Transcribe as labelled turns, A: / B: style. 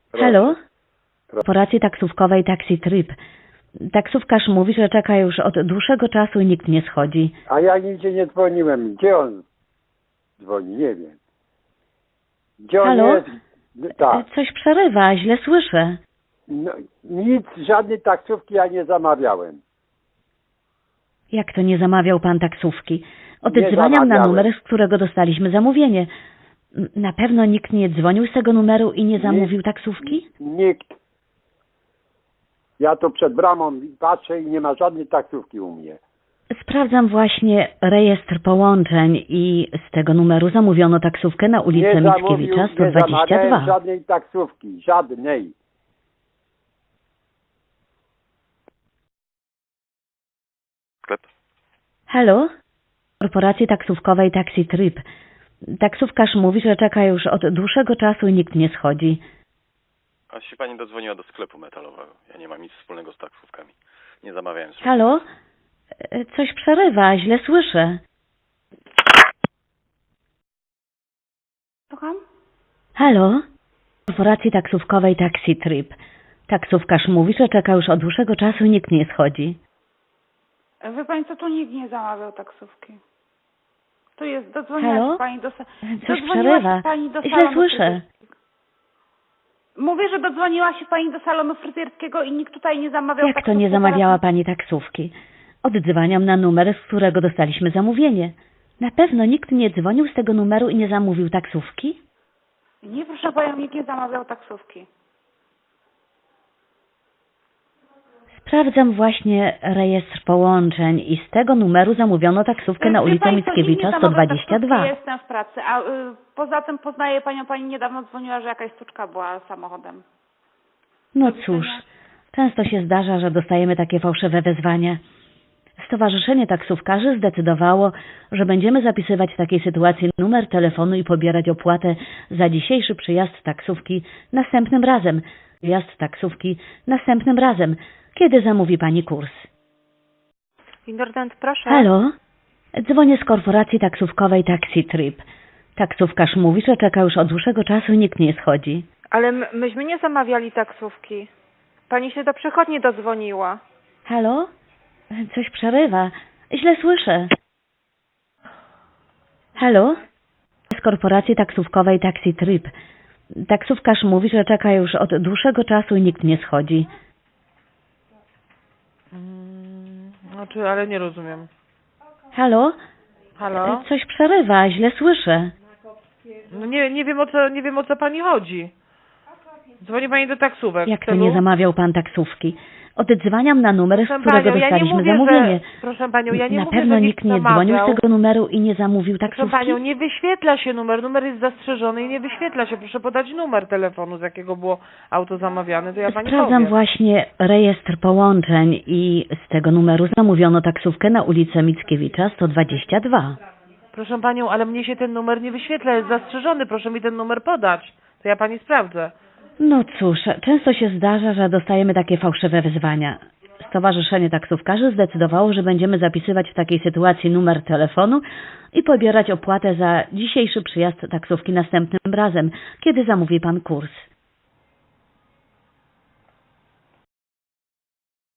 A: Halo? Korporacji taksówkowej Taxi Trip. Taksówkarz mówi, że czeka już od dłuższego czasu i nikt nie schodzi.
B: A ja nigdzie nie dzwoniłem. Gdzie on dzwoni? Nie wiem. Gdzie on
A: Halo?
B: jest? Tak.
A: Coś przerywa, źle słyszę.
B: No, nic, żadnej taksówki ja nie zamawiałem.
A: Jak to nie zamawiał pan taksówki?
B: Nie
A: Oddzwaniam na
B: zamawiałem.
A: numer, z którego dostaliśmy zamówienie. Na pewno nikt nie dzwonił z tego numeru i nie zamówił taksówki?
B: Nikt. Ja tu przed bramą patrzę i nie ma żadnej taksówki u mnie.
A: Sprawdzam właśnie rejestr połączeń i z tego numeru zamówiono taksówkę na ulicę
B: Nie
A: Mickiewicza
B: nie zamawiałem
A: 122.
B: żadnej taksówki. Żadnej.
C: Sklep.
A: Halo? Korporacji taksówkowej Taxi Trip. Taksówkarz mówi, że czeka już od dłuższego czasu i nikt nie schodzi.
C: A się pani dodzwoniła do sklepu metalowego. Ja nie mam nic wspólnego z taksówkami. Nie zamawiałem sobie.
A: Halo? Coś przerywa, źle słyszę.
D: Słucham?
A: Halo? Korporacji taksówkowej Taxi Trip. Taksówkarz mówi, że czeka już od dłuższego czasu i nikt nie schodzi.
D: Wie pani co, tu nikt nie zamawiał taksówki. Tu jest, dodzwoniła
A: Halo?
D: się pani do...
A: Coś
D: dodzwoniła
A: przerywa.
D: się pani do
A: Źle
D: salonu
A: słyszę.
D: fryzjerskiego. Mówię, że dodzwoniła się pani do salonu fryzjerskiego i nikt tutaj nie zamawiał
A: Jak to
D: taksówki.
A: nie zamawiała
D: Teraz-
A: pani taksówki? Oddzwaniam na numer, z którego dostaliśmy zamówienie. Na pewno nikt nie dzwonił z tego numeru i nie zamówił taksówki?
D: Nie, proszę panią, nikt nie zamawiał taksówki.
A: Sprawdzam właśnie rejestr połączeń i z tego numeru zamówiono taksówkę na
D: Wie
A: ulicę
D: pani co, nikt nie
A: Mickiewicza
D: zamawiał
A: 122.
D: taksówki, ja jestem w pracy, a poza tym poznaję panią, pani niedawno dzwoniła, że jakaś stuczka była samochodem.
A: No cóż, często się zdarza, że dostajemy takie fałszywe wezwania. Stowarzyszenie Taksówkarzy zdecydowało, że będziemy zapisywać w takiej sytuacji numer telefonu i pobierać opłatę za dzisiejszy przyjazd taksówki następnym razem. Wjazd taksówki następnym razem, kiedy zamówi pani kurs.
E: Indordent, proszę.
A: Halo? Dzwonię z korporacji taksówkowej Taxi Trip. Taksówkarz mówi, że czeka już od dłuższego czasu i nikt nie schodzi.
E: Ale myśmy nie zamawiali taksówki. Pani się do przychodni dodzwoniła.
A: Halo? Coś przerywa. Źle słyszę. Halo? Z korporacji taksówkowej Taxi Trip. Taksówkarz mówi, że czeka już od dłuższego czasu i nikt nie schodzi.
F: Znaczy, ale nie rozumiem.
A: Halo?
F: Halo?
A: Coś przerywa, źle słyszę.
F: No nie wiem o co pani chodzi. Dzwoni pani do taksówek.
A: Jak
F: w
A: to
F: celu-
A: nie zamawiał pan taksówki? Oddzwaniam na numer, z
F: Proszę
A: którego
F: panią, ja nie
A: dostaliśmy
F: mówię,
A: zamówienie.
F: że... Proszę panią, ja nie
A: Na
F: mówię,
A: pewno
F: że
A: nikt nie dzwonił z tego numeru i nie zamówił
F: Proszę
A: taksówki?
F: panią, nie wyświetla się numer. Numer jest zastrzeżony i nie wyświetla się. Proszę podać numer telefonu, z jakiego było auto zamawiane, to ja pani
A: Sprawdzam
F: powiem.
A: właśnie rejestr połączeń i z tego numeru zamówiono taksówkę na ulicę Mickiewicza 122.
F: Proszę panią, ale mnie się ten numer nie wyświetla, jest zastrzeżony. Proszę mi ten numer podać. To ja pani sprawdzę.
A: No cóż, często się zdarza, że dostajemy takie fałszywe wezwania. Stowarzyszenie Taksówkarzy zdecydowało, że będziemy zapisywać w takiej sytuacji numer telefonu i pobierać opłatę za dzisiejszy przyjazd taksówki następnym razem, kiedy zamówi pan kurs.